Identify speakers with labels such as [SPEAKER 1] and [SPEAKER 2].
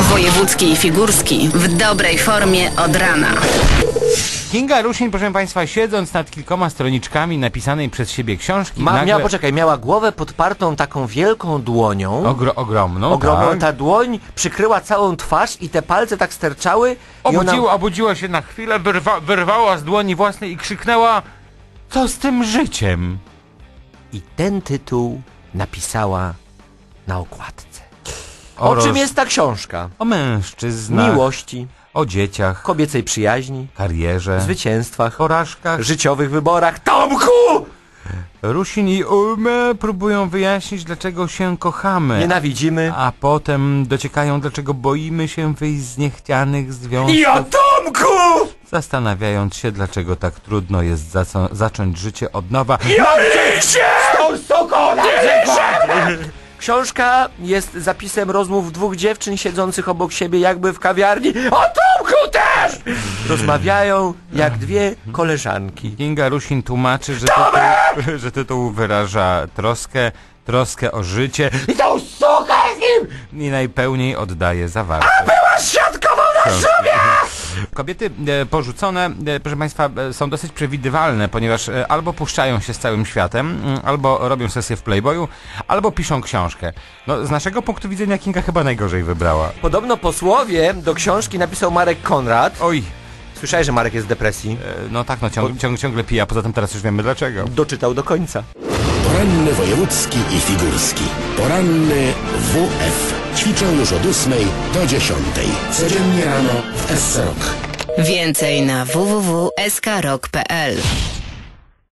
[SPEAKER 1] Wojewódzki i Figurski w dobrej formie od rana.
[SPEAKER 2] Kinga Rusin, proszę państwa, siedząc nad kilkoma stroniczkami napisanej przez siebie książki, nagle...
[SPEAKER 3] miała głowę podpartą taką wielką dłonią.
[SPEAKER 2] Ogromną, tak.
[SPEAKER 3] Ta dłoń przykryła całą twarz i te palce tak sterczały.
[SPEAKER 2] Obudziła się na chwilę, wyrwała z dłoni własnej i krzyknęła: co z tym życiem?
[SPEAKER 3] I ten tytuł napisała na okładce. O czym jest ta książka?
[SPEAKER 2] O mężczyznach,
[SPEAKER 3] miłości,
[SPEAKER 2] o dzieciach,
[SPEAKER 3] kobiecej przyjaźni,
[SPEAKER 2] karierze,
[SPEAKER 3] zwycięstwach,
[SPEAKER 2] porażkach,
[SPEAKER 3] życiowych wyborach. Tomku!
[SPEAKER 2] Rusin i Ulme próbują wyjaśnić, dlaczego się kochamy.
[SPEAKER 3] Nienawidzimy.
[SPEAKER 2] A potem dociekają, dlaczego boimy się wyjść z niechcianych związków.
[SPEAKER 3] I o Tomku!
[SPEAKER 2] Zastanawiając się, dlaczego tak trudno jest zacząć życie od nowa.
[SPEAKER 3] I o Lisie! Z tą suką na przykład! Książka jest zapisem rozmów dwóch dziewczyn siedzących obok siebie jakby w kawiarni. O Tomku też! Rozmawiają jak dwie koleżanki.
[SPEAKER 2] Kinga Rusin tłumaczy, że tytuł wyraża troskę o życie
[SPEAKER 3] I tą sukę z nim!
[SPEAKER 2] i najpełniej oddaje zawartość.
[SPEAKER 3] A była świadkową na szubie!
[SPEAKER 2] Kobiety porzucone, proszę państwa, są dosyć przewidywalne, ponieważ albo puszczają się z całym światem, albo robią sesję w Playboyu, albo piszą książkę. No, z naszego punktu widzenia Kinga chyba najgorzej wybrała.
[SPEAKER 3] Podobno posłowie do książki napisał Marek Konrad.
[SPEAKER 2] Oj.
[SPEAKER 3] Słyszałeś, że Marek jest w depresji?
[SPEAKER 2] No tak, no ciągle pije, a poza tym teraz już wiemy dlaczego.
[SPEAKER 3] Doczytał do końca.
[SPEAKER 4] Poranny wojewódzki i figurski. Poranny WF. Ćwiczą już od 8 do 10. Codziennie rano w SC Rock.
[SPEAKER 1] Więcej na www.skrok.pl.